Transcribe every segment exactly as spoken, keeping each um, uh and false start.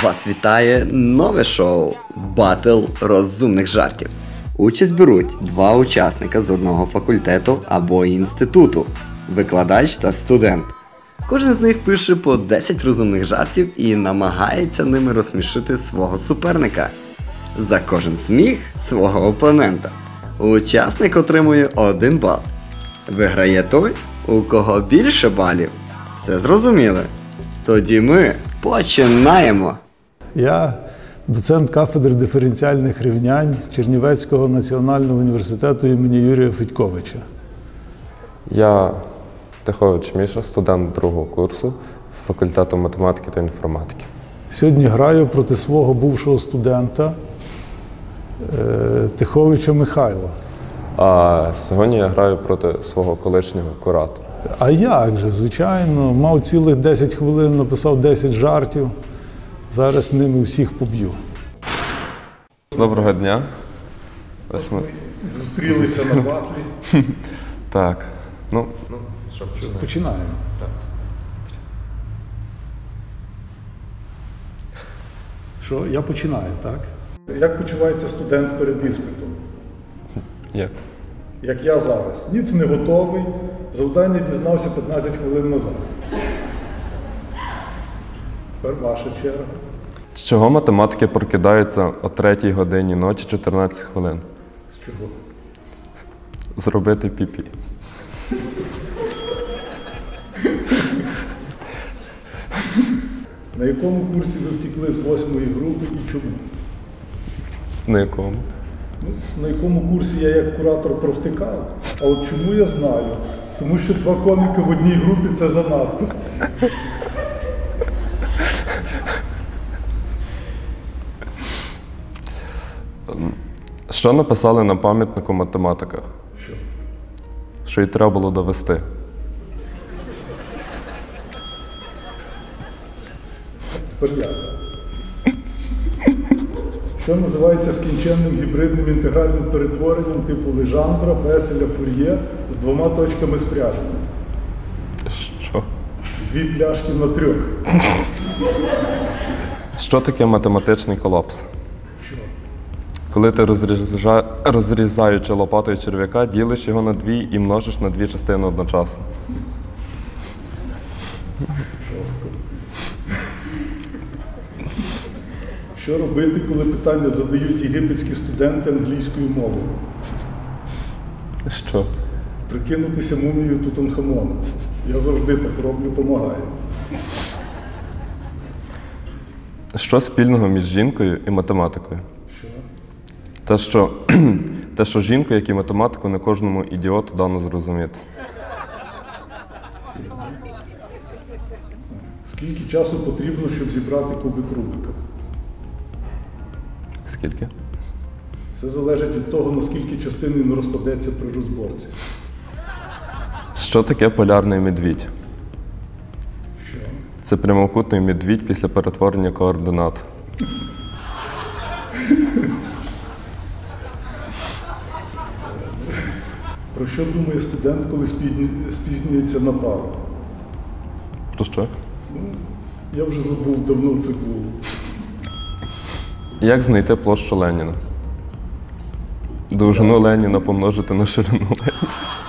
Вас вітає нове шоу «Батл розумних жартів». Участь беруть два учасника з одного факультету або інституту – викладач та студент. Кожен з них пише по десять розумних жартів і намагається ними розсмішити свого суперника. За кожен сміх свого опонента. Учасник отримує один бал. Виграє той, у кого більше балів. Все зрозуміли? Тоді ми починаємо! Я доцент кафедри диференціальних рівнянь Чернівецького національного університету імені Юрія Федьковича. Я Тихович Міша, студент другого курсу факультету математики та інформатики. Сьогодні граю проти свого бувшого студента Тиховича Михайла. А сьогодні я граю проти свого колишнього куратора. А як же, звичайно, мав цілих десять хвилин, написав десять жартів. Зараз ними всіх поб'ю. Доброго дня. Ось ми зустрілися на батлі. Так. Ну, що, починаємо. Що? Я починаю, так? Як почувається студент перед іспитом? Як? Як я зараз. Ніц не готовий, завдання дізнався п'ятнадцять хвилин назад. Тепер ваша черга. З чого математики прокидаються о третій годині ночі чотирнадцять хвилин? З чого? Зробити пі-пі. На якому курсі ви втекли з восьмої групи і чому? На якому? Ну, на якому курсі я як куратор провтикав, а от чому я знаю? Тому що два коміки в одній групі – це занадто. Що написали на пам'ятнику математика? Що? Що й треба було довести. Тепер я. Що називається скінченним гібридним інтегральним перетворенням типу Лежандра, Беселя, Фур'є з двома точками спряження? Що? Дві пляшки на трьох. Що таке математичний колапс? Що? Коли ти розріза... розрізаючи лопатою черв'яка, ділиш його на дві і множиш на дві частини одночасно. Жорстко. Що робити, коли питання задають єгипетські студенти англійською мовою? Що? Прикинутися мумією Тутанхамона. Я завжди так роблю, помагаю. Що спільного між жінкою і математикою? Що? Те, що, те, що жінку, як і математику, не кожному ідіоту дано зрозуміти. Скільки часу потрібно, щоб зібрати кубик Рубика? Скільки? Все залежить від того, наскільки частин він розпадеться при розборці. Що таке полярний медвідь? Що? Це прямокутний медвідь після перетворення координат. Про що думає студент, коли спізнюється на пару? Про що? Ну, я вже забув, давно це було. Як знайти площу Леніна? Довжину Леніна помножити на ширину Леніна.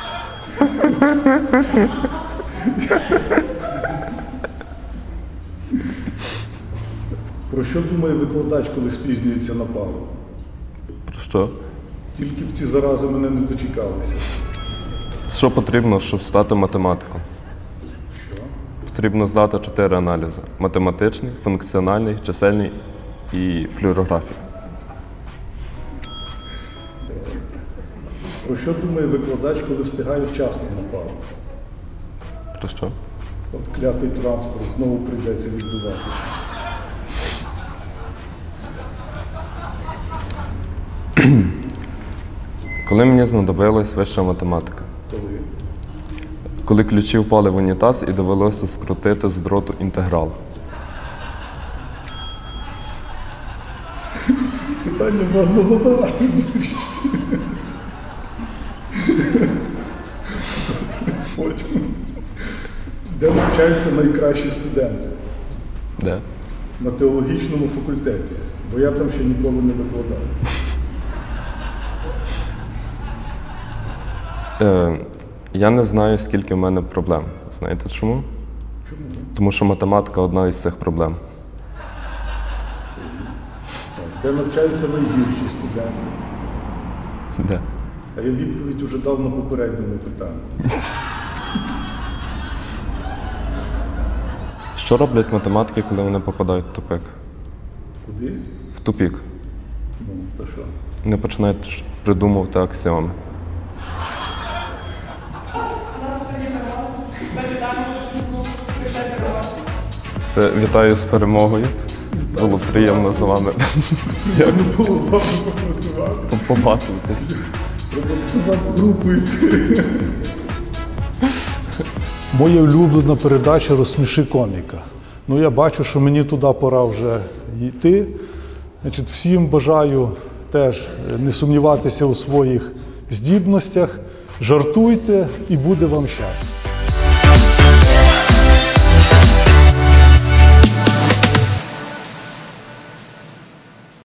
Про що думає викладач, коли спізнюється на пару? Про що? Тільки б ці зарази мене не дочекалися. Що потрібно, щоб стати математиком? Що? Потрібно здати чотири аналізи. Математичний, функціональний, чисельний і флюорографія. Про що думає викладач, коли встигає вчасно на пару? Про що? От клятий транспорт знову прийдеться відбуватися. Коли мені знадобилась вища математика? Коли? Коли ключі впали в унітаз і довелося скрутити з дроту інтеграл. Питання можна задавати зустрічі. Потім. Де навчаються найкращі студенти? Де? на теологічному факультеті, бо я там ще ніколи не викладав. Е, я не знаю, скільки в мене проблем. Знаєте чому? Чому? Тому що математика одна із цих проблем. Так, де навчаються найгірші студенти? Де? А я відповідь уже дав на попередньому питанні. Що роблять математики, коли вони попадають в тупик? Куди? В тупік. Ну, то що? Вони починають ш- придумувати аксіоми. Це вітаю з перемогою. Було приємно з вами Я не було з вами попрацювати. побачитись. Треба назад в групу йти. Моя улюблена передача «Розсміши коміка». Ну, я бачу, що мені туди пора вже йти. Значить, всім бажаю теж не сумніватися у своїх здібностях, жартуйте і буде вам щастя.